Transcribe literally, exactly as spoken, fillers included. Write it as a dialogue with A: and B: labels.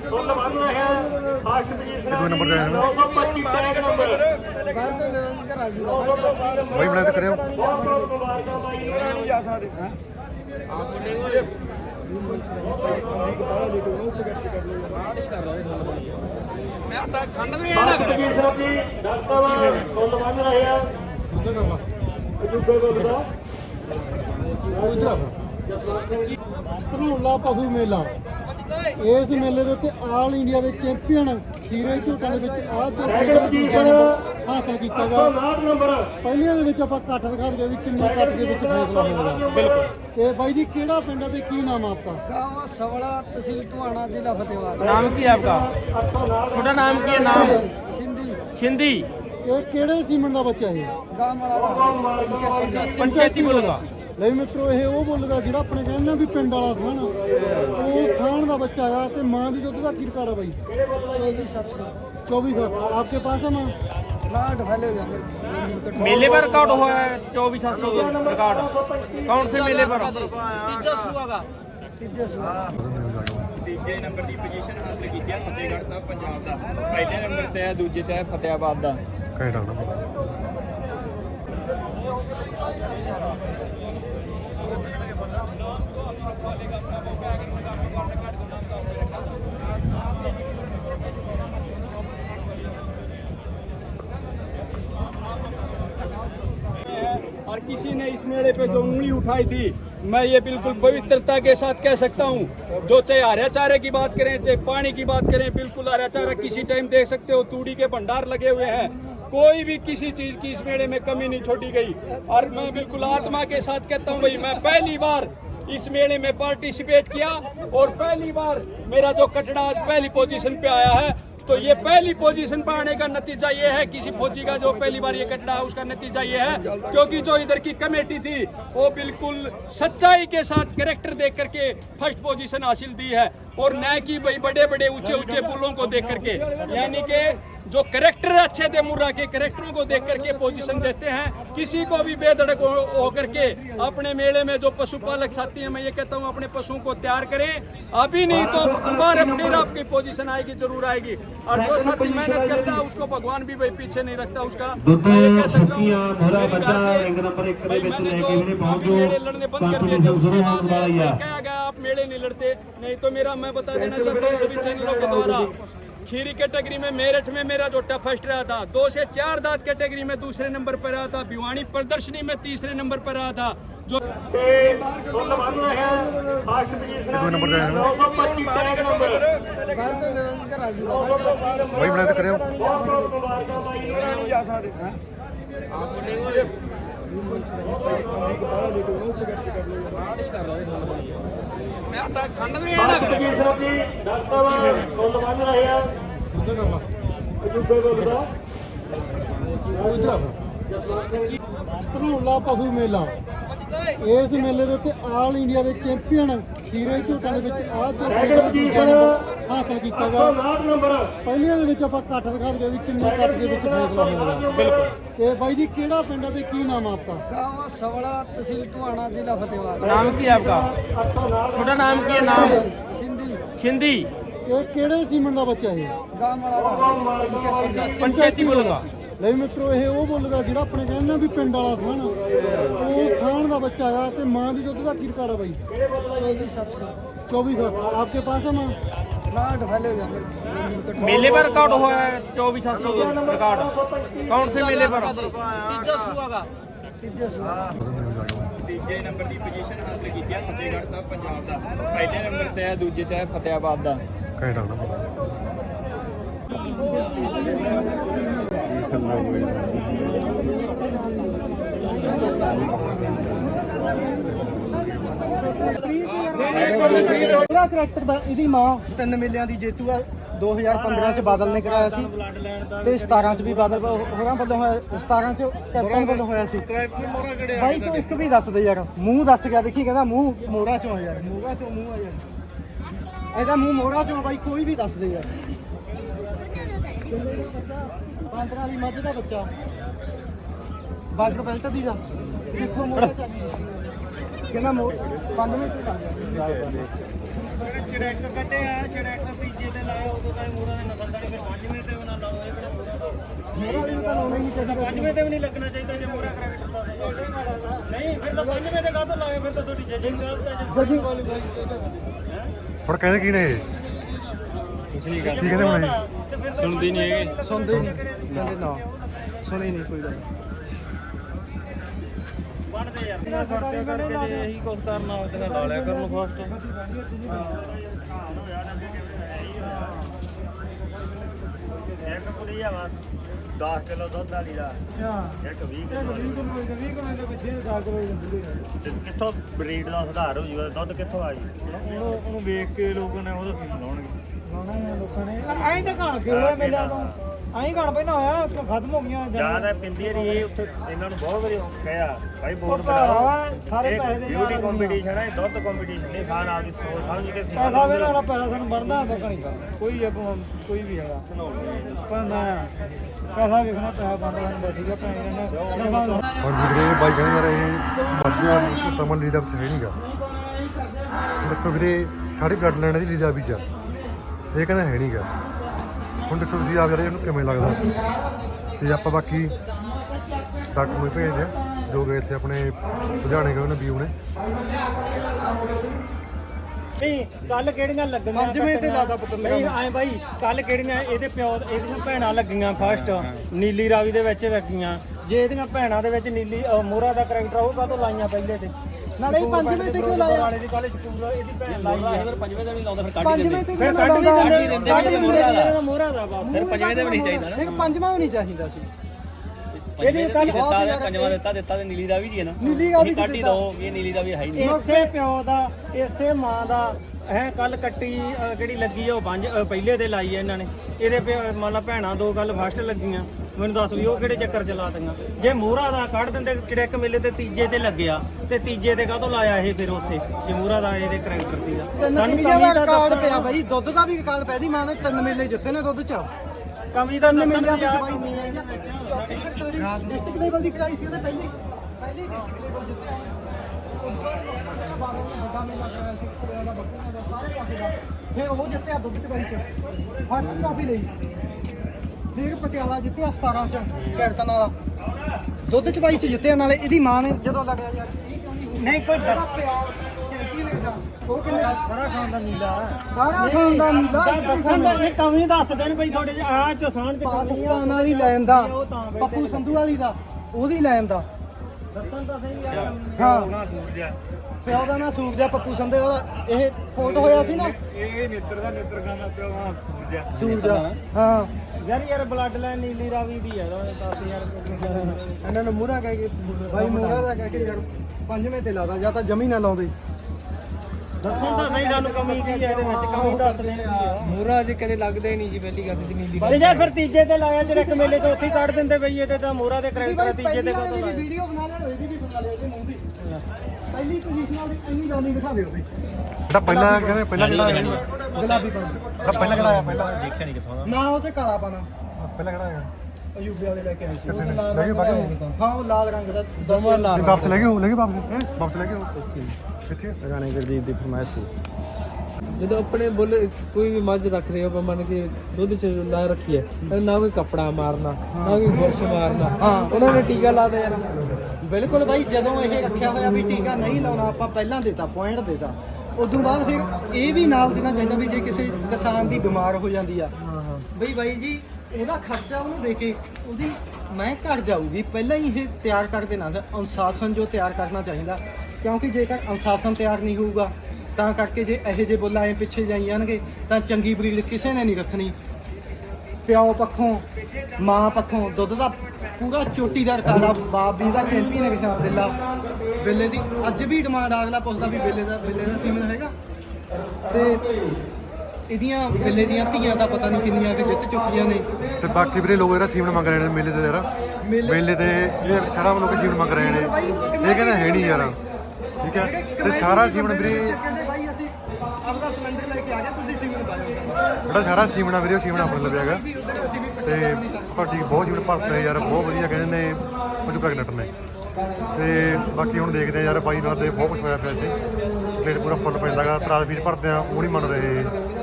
A: दो नंबर का वही बना के करें
B: ਧਨੌਲਾ ਪਸ਼ੂ ਮੇਲਾ। ਇਸ ਮੇਲੇ ਦੇ ਉੱਤੇ ਆਲ ਇੰਡੀਆ ਦੇ ਚੈਂਪੀਅਨ ਖੀਰੇ ਝੋਟਾਂ ਦੇ ਵਿੱਚ ਆਹ ਝੋਟੇ ਦਾ ਦੂਜਾ ਨੰਬਰ ਹਾਸਲ ਕੀਤਾ ਗਿਆ। ਪਹਿਲੀਆਂ ਦੇ ਵਿੱਚ ਆਪਾਂ ਕੱਟ ਦਿਖਾ ਦਈਏ ਵੀ ਕਿੰਨੇ ਕੱਟ ਦੇ ਵਿੱਚ ਫੈਸਲਾ ਹੋਏਗਾ। ਬਿਲਕੁਲ। ਤੇ ਬਾਈ ਜੀ ਕਿਹੜਾ ਪਿੰਡ ਹੈ ਤੇ ਕੀ ਨਾਮ ਹੈ आपका?
C: गाँव सवड़ा तहसील टुहाना जिला फतेहाबाद।
D: नाम की है आपका? छोटा नाम की है नाम?
C: सिंधी
D: सिंधी।
B: ਇਹ ਕਿਹੜੇ ਸੀਮਨ ਦਾ ਬੱਚਾ ਹੈ?
C: गाँव वाला
D: पंचायती बोलेगा।
B: ਲੈ ਮਿੱਤਰੋ ਇਹ ਉਹ ਬੋਲਦਾ ਜਿਹੜਾ ਆਪਣੇ ਕਹਿੰਦੇ ਨਾ ਵੀ ਪਿੰਡ ਵਾਲਾ ਥਾਣ ਉਹ ਥਾਣ ਦਾ ਬੱਚਾ ਹੈਗਾ ਤੇ ਮਾਂ ਦੀ ਦੁੱਧ ਦਾ ਕੀ ਰਿਕਾਰਡ ਹੈ ਬਾਈ?
C: चौबीस सात सौ
B: चौबीस सात आपके पास है मां?
C: लाट फैले हो गया
D: मेले पर रिकॉर्ड हुआ है चौबीस सात सौ रिकॉर्ड। कौन से मेले पर?
C: तीजा सुआ
E: ਤੀਜੇ ਨੰਬਰ ਦੀ ਪੋਜੀਸ਼ਨ ਹਾਸਲ ਕੀਤੀ ਹੈ ਫਤਿਹਗੜ੍ਹ ਸਾਹਿਬ ਪੰਜਾਬ ਦਾ। ਪਹਿਲੇ ਨੰਬਰ ਤੇ ਹੈ, ਦੂਜੇ ਤੇ ਹੈ ਫਤਿਆਬਾਦ ਦਾ।
A: कहीं डालना
E: और किसी ने इस मेले पे जो उंगली उठाई थी, मैं ये बिल्कुल पवित्रता के साथ कह सकता हूँ, जो चाहे हरा चारे की बात करें चाहे पानी की बात करें, बिल्कुल हरा चारा किसी टाइम देख सकते हो तूड़ी के भंडार लगे हुए हैं। कोई भी किसी चीज की इस मेले में कमी नहीं छोड़ी गई। और मैं बिल्कुल आत्मा के साथ कहता हूँ भाई, मैं पहली बार इस मेले में पार्टिसिपेट किया और पहली बार मेरा जो कटड़ा आज पहली पोजीशन पे आया है। तो ये पहली पोजीशन पर आने का नतीजा ये है, किसी फौजी का जो पहली बार ये कटड़ा है उसका नतीजा ये है, क्योंकि जो इधर की कमेटी थी वो बिल्कुल सच्चाई के साथ कैरेक्टर देख करके फर्स्ट पोजीशन हासिल दी है, और न कि भाई बड़े बड़े ऊंचे ऊंचे पुलों को देख करके, यानी कि जो कैरेक्टर अच्छे थे मुर्रा के कैरेक्टरों को देख करके पोजीशन देते हैं। किसी को भी बेधड़क हो, हो करके अपने मेले में जो पशुपालक साथी हैं, मैं ये कहता हूँ अपने पशुओं को तैयार करें, अभी नहीं तो दोबारा फिर आपकी पोजीशन आएगी, जरूर आएगी। और जो साथी मेहनत करता है उसको भगवान भी भाई पीछे नहीं रखता। उसका लड़ने बंद कर दिया क्या गया, आप मेले नहीं लड़ते। नहीं तो मेरा मैं बता देना चाहता हूँ सभी चैनलों के द्वारा, खीरी कैटेगरी में मेरठ में मेरा जो फर्स्ट रहा था, दो से चार दांत कैटेगरी में दूसरे नंबर पर रहा था, भिवानी प्रदर्शनी में तीसरे नंबर पर रहा था। जो
A: दो नंबर का वही बना के करें
B: ਧਨੌਲਾ ਪਸ਼ੂ ਮੇਲਾ। ਇਸ ਮੇਲੇ ਦੇ ਉੱਤੇ ਆਲ ਇੰਡੀਆ ਦੇ ਚੈਂਪੀਅਨ ਖੀਰੇ ਝੋਟਾਂ ਦੇ ਵਿੱਚ ਆਹ ਝੋਟੇ ਦਾ ਦੂਜਾ ਨੰਬਰ ਹਾਸਲ ਕੀਤਾ ਗਿਆ। ਪਹਿਲੀਆਂ ਦੇ ਵਿੱਚ ਆਪਾਂ ਕੱਟ ਦਿਖਾ ਦਈਏ ਵੀ ਕਿੰਨੇ ਕੱਟ ਦੇ ਵਿੱਚ ਫੈਸਲਾ ਹੋਏਗਾ। ਬਿਲकुल। ਤੇ ਬਾਈ ਜੀ ਕਿਹੜਾ ਪਿੰਡ ਹੈ ਤੇ ਕੀ ਨਾਮ ਹੈ आपका?
C: गाँव सवड़ा तहसील टुहाना जिला फतेहाबाद।
D: नाम की है आपका? छोटा नाम की है नाम?
C: सिंधी
D: सिंधी।
B: ਇਹ ਕਿਹੜੇ ਸੀਮਨ ਦਾ ਬੱਚਾ ਹੈ?
C: गाँव वाला
D: पंचायती बोलेगा।
B: ਲੈ ਮਿੱਤਰੋ ਇਹ ਉਹ ਬੋਲਦਾ ਜਿਹੜਾ ਆਪਣੇ ਕਹਿੰਦੇ ਨਾ ਵੀ ਪਿੰਡ ਵਾਲਾ ਥਾਣ ਉਹ ਥਾਣ ਦਾ ਬੱਚਾ ਹੈਗਾ ਤੇ ਮਾਂ ਦੀ ਦੁੱਧ ਦਾ ਕੀ ਰਿਕਾਰਡ ਹੈ ਬਾਈ?
C: चौबीस सात सौ
B: चौबीस सात आपके पास है मां?
C: लाट फैले हो गया
D: मेले पर रिकॉर्ड हुआ है चौबीस सात सौ रिकॉर्ड। कौन से मेले पर?
C: तीजा सुआ
E: ਤੀਜੇ ਨੰਬਰ ਦੀ ਪੋਜੀਸ਼ਨ ਹਾਸਲ ਕੀਤੀ ਹੈ ਫਤਿਹਗੜ੍ਹ ਸਾਹਿਬ ਪੰਜਾਬ ਦਾ। ਪਹਿਲੇ ਨੰਬਰ ਤੇ ਹੈ, ਦੂਜੇ ਤੇ ਹੈ ਫਤਿਆਬਾਦ ਦਾ।
A: कहीं डालना
B: ਮੇਰਾ ਕਰੈਕਟਰ ਦਾ ਇਹਦੀ ਮਾਂ ਤਿੰਨ ਮੇਲਿਆਂ ਦੀ ਜੇਤੂ ਆ। ਦੋ ਹਜ਼ਾਰ ਪੰਦਰਾਂ ਚ ਬਾਦਲ ਨੇ ਕਰਾਇਆ ਸੀ ਤੇ ਸਤਾਰਾਂ ਚ ਵੀ ਬਾਦਲ ਹੋਰਾਂ ਵੱਲੋਂ ਹੋਇਆ, ਸਤਾਰਾਂ ਚ ਕੈਪਟਨ ਵੱਲੋਂ ਹੋਇਆ ਸੀ। ਬਾਈ ਤੂੰ ਇੱਕ ਵੀ ਦੱਸ ਦੇ ਯਾਰ, ਮੂੰਹ ਦੱਸ ਗਿਆ। ਦੇਖੀ ਕਹਿੰਦਾ ਮੂੰਹ ਮੋੜਾ ਚੋਂ ਆ ਯਾਰ, ਮੋੜਾ ਚੋਂ ਮੂੰਹ ਆ ਯਾਰ, ਇਹਦਾ ਮੂੰਹ ਮੋੜਾ ਚੋਂ ਬਾਈ, ਕੋਈ ਵੀ ਦੱਸ ਦੇ ਯਾਰ। ਪੰਦਰਾਂ ਵਾਲੀ ਮੱਝ ਦਾ ਬੱਚਾ ਬਾਰਡਰ ਬੈਲਟ ਦੀ ਦਾ ਕਿੱਥੋਂ ਮੋੜਾ ਚੱਲੀ ਕਹਿੰਦਾ ਮੋੜ ਪੰਜ ਮਿੰਟ ਚੱਲ ਗਿਆ।
E: ਚੜੈਕ ਕੱਢਿਆ, ਚੜੈਕ ਤੀਜੇ ਤੇ ਲਾਇਆ।
B: ਮੋਰਾ ਦੇ ਨਸਲ ਦਾ ਫਿਰ ਪੰਜਵੇਂ ਤੇ ਉਹਨਾਂ ਲਾਓ ਇਹ ਕਿਹੜਾ ਮੋਰਾ ਵਾਲੀ ਨੂੰ ਤਾਂ ਲਾਉਣਾ ਹੀ ਨਹੀਂ ਚਾਹੀਦਾ ਪੰਜਵੇਂ ਤੇ ਵੀ ਨਹੀਂ ਲੱਗਣਾ ਚਾਹੀਦਾ ਜੇ ਮੋਰਾ ਕ੍ਰਿਕਟ ਦਾ ਨਹੀਂ ਫਿਰ ਤਾਂ ਪੰਜਵੇਂ ਤੇ ਕਾਹਤੋਂ ਲਾਏ ਫਿਰ ਤਾਂ ਤੁਹਾਡੀ ਜੱਜਿੰਗ ਗਲਤ ਹੈ ਜੱਜਿੰਗ ਵਾਲੀ
A: ਹੁਣ ਕਹਿੰਦੇ ਕੀ ਨੇ ਇਹ ਕੀ ਕਹਿੰਦੇ ਹੁਣ ਇਹ
D: ਸੁਣਦੀ ਨਹੀਂ ਹੈਗੇ
B: ਸੁਣਦੇ ਨਹੀਂ ਕਹਿੰਦੇ ਨਾ ਸੁਣੇ ਨਹੀਂ ਕੋਈ ਗੱਲ ਬਣਦੇ ਯਾਰ
D: ਇਹਨਾਂ ਖਰਚਾ ਕਰਕੇ ਜੇ ਇਹੀ ਕੁਝ ਕਰਨਾ ਹੋਵੇ ਤਾਂ ਲਾ ਲਿਆ ਕਰਨ ਫਸਟ
B: ਇੱਕ ਪੂਰੀ ਆ ਵਾ ਦਸ ਕਿਲੋ ਦੁੱਧ ਵਾਲੀ ਦਾ ਇੱਕ ਵੀਹ ਕਿਲੋ ਵੀਹ ਕਿਲੋ ਦੇ ਪਿੱਛੇ ਦਸ ਕਿਲੋ ਕਿੱਥੋਂ ਬਰੀਡ ਦਾ ਸੁਧਾਰ ਹੋ ਜੂਗਾ ਦੁੱਧ ਕਿੱਥੋਂ ਆ ਜੀ ਉਹਨੂੰ ਉਹਨੂੰ ਵੇਖ ਕੇ ਲੋਕਾਂ ਨੇ ਉਹਦਾ ਸੀਨ ਲਾਉਣਗੇ ਲਾਉਣਾ ਲੋਕਾਂ ਨੇ ਐਂ ਤਾਂ ਘਾਣ ਕੇ ਹੋਇਆ ਮੇਲਾ ਤੋਂ ਐਂ ਘਾਣ ਪਹਿਲਾਂ ਹੋਇਆ ਖਤਮ ਹੋ ਗਈਆਂ ਜਿਆਦਾ ਪਿੰਦੀ ਰਹੀ ਇਹ ਉੱਥੇ ਇਹਨਾਂ ਨੂੰ ਬਹੁਤ ਵਾਰੀ ਕਿਹਾ ਭਾਈ ਬੋਰਡ ਬਣਾਓ ਸਾਰੇ ਪੈਸੇ ਦੇ ਬਿਊਟੀ ਕੰਪੀਟੀਸ਼ਨ ਹੈ ਦੁੱਧ ਕੰਪੀਟੀਸ਼ਨ ਨਹੀਂ ਸਾਨ ਆਪਦੀ ਸੋਚ ਸਮਝ ਕੇ ਪੈਸਾ ਵੇਲੇ ਵਾਲਾ ਪੈਸਾ ਸਾਨੂੰ ਬਣਦਾ ਪੱਕਾ ਨਹੀਂ ਕਰਦਾ ਕੋਈ ਅੱਗੋਂ ਕੋਈ ਵੀ ਹੈਗਾ ਪਰ ਮੈਂ ਪੈਸਾ ਵੇਖਣਾ ਪੈਸਾ ਬਣਦਾ ਸਾਨੂੰ ਬੈਠੀ ਗਿਆ ਪੈਸੇ
A: ਹਾਂਜੀ ਵੀਰੇ ਬਾਈ ਕਹਿੰਦੇ ਯਾਰ ਇਹ ਮੱਝਾਂ ਤਮਨ ਲੀਡਾ ਵਿੱਚ ਹੈ ਨਹੀਂਗਾ ਦੱਸੋ ਵੀਰੇ ਸਾਡੀ ਬਲੱਡ ਲਾਈਨ ਦੀ ਲੀਡਾ ਵਿੱਚ ਆ ਇਹ ਕਹਿੰਦਾ ਹੈ ਨਹੀਂਗਾ ਹੁਣ ਦੱਸੋ ਤੁਸੀਂ ਆਪ ਯਾਰ ਇਹਨੂੰ ਕਿਵੇਂ ਲੱਗਦਾ ਤੇ ਆਪਾਂ ਬਾਕੀ ਡਾਕਟਰ ਨੂੰ ਭੇਜਦੇ ਆ ਜੋ ਗਏ ਇੱਥੇ ਆਪਣੇ ਲੁਧਿਆਣੇ ਗਏ ਉਹਨਾਂ ਵੀਊ ਨੇ
B: ਨਹੀਂ ਕੱਲ ਕਿਹੜੀਆਂ ਲੱਗੀਆਂ ਪੰਜਵੇਂ ਤੇ ਲਾਦਾ ਪਤੰਦਰ ਨਹੀਂ ਐ ਬਾਈ ਕੱਲ ਕਿਹੜੀਆਂ ਇਹਦੇ ਪਿਓ ਇਹਦੀਆਂ ਭੈਣਾਂ ਲੱਗੀਆਂ ਫਸਟ ਨੀਲੀ ਰਾਵੀ ਦੇ ਵਿੱਚ ਲੱਗੀਆਂ ਜੇ ਇਹਦੀਆਂ ਭੈਣਾਂ ਦੇ ਵਿੱਚ ਨੀਲੀ ਮੋਹਰਾ ਦਾ ਕਰੈਕਟਰ ਹੋਊਗਾ ਤਾਂ ਲਾਈਆਂ ਪਹਿਲੇ ਤੇ ਨਾਲੇ ਪੰਜਵੇਂ ਤੇ ਕਿਉਂ ਲਾਇਆ ਵਾਲੇ ਦੀ ਕਾਲਜ ਪੂਰਾ ਇਹਦੀ ਭੈਣ ਲਾਈ ਹੈ ਫਿਰ ਪੰਜਵੇਂ ਤੇ ਵੀ ਲਾਉਂਦਾ ਫਿਰ ਕੱਢ ਦਿੰਦੇ ਫਿਰ ਕੱਢ ਨਹੀਂ ਦਿੰਦੇ ਕੱਢ ਦਿੰਦੇ ਇਹਦਾ ਮੋਹਰਾ ਦਾ ਬਾਪ
D: ਫਿਰ ਪੰਜਵੇਂ ਤੇ ਵੀ ਨਹੀਂ ਚਾਹੀਦਾ ਨਾ
B: ਇੱਕ ਪੰਜਵਾਂ ਵੀ ਨਹੀਂ ਚਾਹੀਦਾ ਸੀ
D: ਇਹਦੀ ਕੱਲ ਦਿੱਤਾ ਤੇ ਪੰਜਵਾਂ ਦਿੱਤਾ ਦਿੱਤਾ ਤੇ ਨੀਲੀ ਦਾ ਵੀ ਜੀ ਹੈ ਨਾ
B: ਨੀਲੀ ਦਾ ਵੀ
D: ਕੱਢ ਹੀ ਦੋ ਇਹ ਨੀਲੀ ਦਾ ਵੀ ਹੈ ਹੀ ਨਹੀਂ
B: ਇਸੇ ਪਿਓ ਦਾ ਇਸੇ ਮਾਂ ਦਾ ਹੈ ਕੱਲ ਕੱਟੀ ਜਿਹੜੀ ਲੱਗੀ ਆ ਉਹ ਪੰਜ ਪਹਿਲੇ ਤੇ ਲਾਈ ਆ ਇਹਨਾਂ ਨੇ ਇਹਦੇ ਮੰਨ ਲਾ ਭੈਣਾਂ ਦੋ ਗੱਲ ਫਸਟ ਲੱਗੀਆਂ ਮੈਨੂੰ ਦੱਸ ਵੀ ਉਹ ਕਿਹੜੇ ਚੱਕਰ ਚ ਲਾ ਦਿੰਗਾ ਜੇ ਮੋਹਰਾ ਦਾ ਕੱਢ ਦਿੰਦੇ ਚੜੈਕ ਮੇਲੇ ਤੇ ਤੀਜੇ ਤੇ ਲੱਗਿਆ ਤੇ ਤੀਜੇ ਤੇ ਕਾਹਤੋਂ ਲਾਇਆ ਇਹ ਫਿਰ ਉੱਥੇ ਜੇ ਮੋਹਰਾ ਦਾ ਇਹਦੇ ਕਰੈਕਟਰ ਸੀਗਾ ਸਾਨੂੰ ਕਮੀ ਦਾ ਰਿਕਾਰਡ ਪਿਆ ਬਾਈ ਦੁੱਧ ਦਾ ਵੀ ਰਿਕਾਰਡ ਪਿਆ ਦੀ ਮਾਂ ਨੇ ਤਿੰਨ ਮੇਲੇ ਜਿੱਤੇ ਨੇ ਦੁੱਧ ਚ ਕਮੀ ਦਾ ਦੱਸਣ ਦੀ ਆ ਡਿਸਟ੍ਰਿਕਟ ਲੈਵਲ ਦੀ ਕਰਾਈ ਸੀ ਉਹਨੇ ਪਹਿਲੀ ਪਹਿਲੀ ਡਿਸਟ੍ਰਿਕਟ ਲੈਵਲ ਜਿੱਤਿਆ ਫਿਰ ਉਹ ਜਿੱਤਿਆ ਦੁੱਧ ਚਵਾਈ ਚ ਫਸਟ ਕਾਫੀ ਲਈ ਫਿਰ ਪਟਿਆਲਾ ਜਿੱਤਿਆ ਸਤਾਰਾਂ ਚ ਕੈਪਟਨ ਵਾਲਾ ਦੁੱਧ ਚਵਾਈ ਚ ਜਿੱਤਿਆ ਨਾਲੇ ਇਹਦੀ ਮਾਂ ਨੇ ਜਦੋਂ ਲੱਗਿਆ ਯਾਰ ਨਹੀਂ ਕੋਈ ਉਹ ਕਿੰਨੇ ਸਾਰਾ ਖਾਨ ਦਾ ਨੀਲਾ ਸਾਰਾ ਖਾਨ ਦਾ ਨੀਲਾ ਦੱਸਣ ਦਾ ਨਹੀਂ ਕਮੀ ਦੱਸ ਦੇਣ ਬਈ ਤੁਹਾਡੇ ਚ ਆ ਚੋਸਾਨ ਚ ਪਾਕਿਸਤਾਨ ਵਾਲੀ ਲਾਈਨ ਦਾ ਪੱਪੂ ਸੰਧੂ ਵਾਲੀ ਦਾ ਉਹਦੀ ਲਾਈਨ ਦਾ ਦੱਸਣ ਤਾਂ ਸਹੀ ਯਾਰ ਹਾਂ ਪਿਓ ਦਾ ਨਾਂ ਸੂਰਜਾ ਪੱਪੂ ਸੰਧੂ ਦਾ ਇਹ ਫੋਟੋ ਹੋਇਆ ਸੀ ਨਾ ਇਹ ਨਿੱਤਰ ਦਾ ਨਿੱਤਰ ਗਾਣਾ ਪਿਓ ਆ ਸੂਰਜਾ ਸੂਰਜਾ ਹਾਂ ਯਾਰ ਯਾਰ ਬਲੱਡ ਲਾਈਨ ਨੀਲੀ ਰਾਵੀ ਦੀ ਹੈ ਦੱਸ ਯਾਰ ਇਹਨਾਂ ਨੂੰ ਮੂਹਰਾ ਕਹਿ ਕੇ ਭਾਈ ਮੂਹਰਾ ਦਾ ਕਹਿ ਕੇ ਯਾਰ ਪੰਜਵੇਂ ਤੇ ਲਾਦਾ ਜਾਂ ਤਾਂ ਜਮੀ ਨਾ ਲਾਉਂਦੇ ਦੱਸਣ ਤਾਂ ਸਹੀ ਸਾਨੂੰ ਕਮੀ ਕੀ ਹੈ ਇਹਦੇ ਵਿੱਚ ਕਮੀ ਦੱਸ ਦੇ ਮੂਹਰਾ ਜੇ ਕਦੇ ਲੱਗਦਾ ਹੀ ਨਹੀਂ ਜੀ ਪਹਿਲੀ ਗੱਲ ਤੇ ਨੀਲੀ ਭਾਈ ਜੇ ਫਿਰ ਤੀਜੇ ਤੇ ਲਾਇਆ ਜਿਹੜਾ ਇੱਕ ਮੇਲੇ ਤੋਂ ਉੱਥੇ ਹੀ ਕੱਢ ਦਿੰਦੇ ਬਈ ਇਹਦੇ ਤਾਂ ਮੂਹਰਾ ਦੇ ਕਰੈਕਟਰ ਤੀਜੇ ਤੇ ਕਦੋਂ ਲਾਇਆ ਵੀਡੀਓ ਬਣਾ ਲਿਆ ਇਹਦੀ ਵੀ ਬਣਾ ਲਿਆ ਇਹਦੇ ਮੂੰਹ ਦੀ ਪਹਿਲੀ ਪੋਜੀਸ਼ਨ ਵਾਲੀ ਇੰਨੀ ਜਾਨੀ ਦਿਖਾ ਦਿਓ ਬਈ
A: ਜਿਹੜਾ ਪਹਿਲਾਂ ਕਹਿੰਦੇ ਪਹਿਲਾਂ ਕਿਹੜਾ ਆਇਆ
B: ਗੁਲਾਬੀ ਪਾਣਾ
A: ਪਹਿਲਾਂ ਕਿਹੜਾ ਆਇਆ ਪਹਿਲਾਂ
D: ਦੇਖਿਆ ਨਹੀਂ ਕਿਥੋਂ
B: ਨਾ ਉਹ ਤੇ ਕਾਲਾ ਪਾਣਾ
A: ਪਹਿਲਾਂ ਕਿਹੜਾ ਆਇਆ
B: ਅਯੂਬੀ ਵਾਲੇ ਲੈ ਕੇ ਆਏ ਸੀ
A: ਕਿੱਥੇ ਨੇ ਲੈ ਗਏ ਬਾਕੀ
B: ਹਾਂ ਉਹ ਲਾਲ ਰੰਗ ਦਾ ਦੋਵਾਂ ਲਾਲ
A: ਵਾਪਸ ਲੈ ਗਏ ਹੋ ਲੈ ਗਏ ਵਾਪਸ ਵਾਪਸ ਲੈ ਗਏ ਹੋ ਕਿੱਥੇ
B: ਗਾਣੇ ਗੁਰਦੀਪ ਦੀ ਫਰਮਾਇਸ਼ ਸੀ
F: ਜਦੋਂ ਆਪਣੇ ਬੋਲੇ ਕੋਈ ਵੀ ਮੱਝ ਰੱਖ ਰਹੇ ਹੋ ਆਪਾਂ ਮੰਨ ਕੇ ਦੁੱਧ ਚ ਲਾ ਰੱਖੀ ਹੈ ਨਾ ਕੋਈ ਕੱਪੜਾ ਮਾਰਨਾ ਨਾ ਕੋਈ ਬੁਰਸ਼ ਮਾਰਨਾ
B: ਹਾਂ
F: ਉਹਨਾਂ ਨੇ ਟੀਕਾ ਲਾਦਾ ਯਾਰ
B: ਬਿਲਕੁਲ ਬਾਈ ਜਦੋਂ ਇਹ ਰੱਖਿਆ ਹੋਇਆ ਵੀ ਟੀਕਾ ਨਹੀਂ ਲਾਉਣਾ ਆਪਾਂ ਪਹਿਲਾਂ ਦੇਤਾ ਪੁਆਇੰਟ ਦੇਤਾ ਉਦੋਂ ਬਾਅਦ ਫਿਰ ਇਹ ਵੀ ਨਾਲ ਦੇਣਾ ਚਾਹੀਦਾ ਵੀ ਜੇ ਕਿਸੇ ਕਿਸਾਨ ਦੀ ਬਿਮਾਰ ਹੋ ਜਾਂਦੀ ਆ ਬਈ ਬਾਈ ਜੀ ਉਹਦਾ ਖਰਚਾ ਉਹਨੂੰ ਦੇ ਕੇ ਉਹਦੀ ਮੈਂ ਘਰ ਜਾਊਗੀ ਪਹਿਲਾਂ ਹੀ ਇਹ ਤਿਆਰ ਕਰ ਦੇਣਾ ਅਨੁਸ਼ਾਸਨ ਜੋ ਤਿਆਰ ਕਰਨਾ ਚਾਹੀਦਾ ਕਿਉਂਕਿ ਜੇਕਰ ਅਨੁਸ਼ਾਸਨ ਤਿਆਰ ਨਹੀਂ ਹੋਊਗਾ ਤਾਂ ਕਰਕੇ ਜੇ ਇਹੋ ਜਿਹੇ ਬੁੱਲ ਆਏ ਪਿੱਛੇ ਜਾਈ ਜਾਣਗੇ ਤਾਂ ਚੰਗੀ ਬਰੀਡ ਕਿਸੇ ਨੇ ਨਹੀਂ ਰੱਖਣੀ ਪਿਓ ਪੱਖੋਂ ਮਾਂ ਪੱਖੋਂ ਦੁੱਧ ਦਾ ਪੂਰਾ ਚੋਟੀ ਦਾ ਰਿਕਾਰਡ ਆ ਬਾਪ ਵੀ ਦਾ ਚੈਂਪੀਅਨ ਹੈ ਕਿਸਾਨ ਬਿੱਲਾ ਬਿੱਲੇ ਦੀ ਅੱਜ ਵੀ ਡਿਮਾਂਡ ਅਗਲਾ ਪੁੱਛਦਾ ਵੀ ਬਿੱਲੇ ਦਾ ਬਿੱਲੇ ਦਾ ਸੀਮਨ ਹੈਗਾ ਤੇ ਇਹਦੀਆਂ ਬਿੱਲੇ ਦੀਆਂ ਧੀਆਂ ਤਾਂ ਪਤਾ ਨਹੀਂ ਕਿੰਨੀਆਂ ਕਿ ਜਿੱਤ ਚੁੱਕੀਆਂ ਨੇ
A: ਤੇ ਬਾਕੀ ਵੀਰੇ ਲੋਕ ਇਹਦਾ ਸੀਮਨ ਮੰਗ ਰਹੇ ਨੇ ਮੇਲੇ ਤੇ ਯਾਰ ਮੇਲੇ ਤੇ ਇਹ ਸਾਰਾ ਲੋਕ ਸੀਮਨ ਮੰਗ ਰਹੇ ਨੇ ਇਹ ਕਹਿੰਦਾ ਹੈ ਨਹੀਂ ਯਾਰ ਠੀਕ ਹੈ ਤੇ ਸਾਰਾ ਸੀਮਨ ਵੀਰੇ
B: ਕਹਿੰਦੇ ਬਾਈ ਅਸੀਂ ਆਪਦਾ ਸਿਲੰਡਰ ਲੈ ਕੇ ਆ ਗਏ ਤੁਸੀਂ ਸੀਮਨ ਪਾਇਓ
A: ਜਿਹੜਾ ਸਾਰਾ ਸੀਮਨਾ ਵੀਰੇ ਉਹ ਸੀਮਨਾ ਆਪਣੇ ਲੱਭਿਆ ਹੈਗਾ
B: ਅਸੀਂ ਵੀ
A: ਤੇ ਭਾਟੀ ਬਹੁਤ ਸੀਮਨ ਭਰਤੇ ਯਾਰ ਬਹੁਤ ਵਧੀਆ ਕਹਿੰਦੇ ਨੇ ਉਹ ਚੁੱਕਾ ਕਨੈਕਟਰ ਨੇ ਤੇ ਬਾਕੀ ਹੁਣ ਦੇਖਦੇ ਆ ਯਾਰ ਬਾਈ ਨਾਲ ਤੇ ਬਹੁਤ ਕੁਛ ਹੋਇਆ ਪਿਆ ਇੱਥੇ ਤੇ ਪੂਰਾ ਫੁੱਲ ਪੈਂਦਾਗਾ ਭਰਾ ਵੀਰ ਭਰਦੇ ਆ ਉਹ ਨਹੀਂ ਮੰਨ ਰਹੇ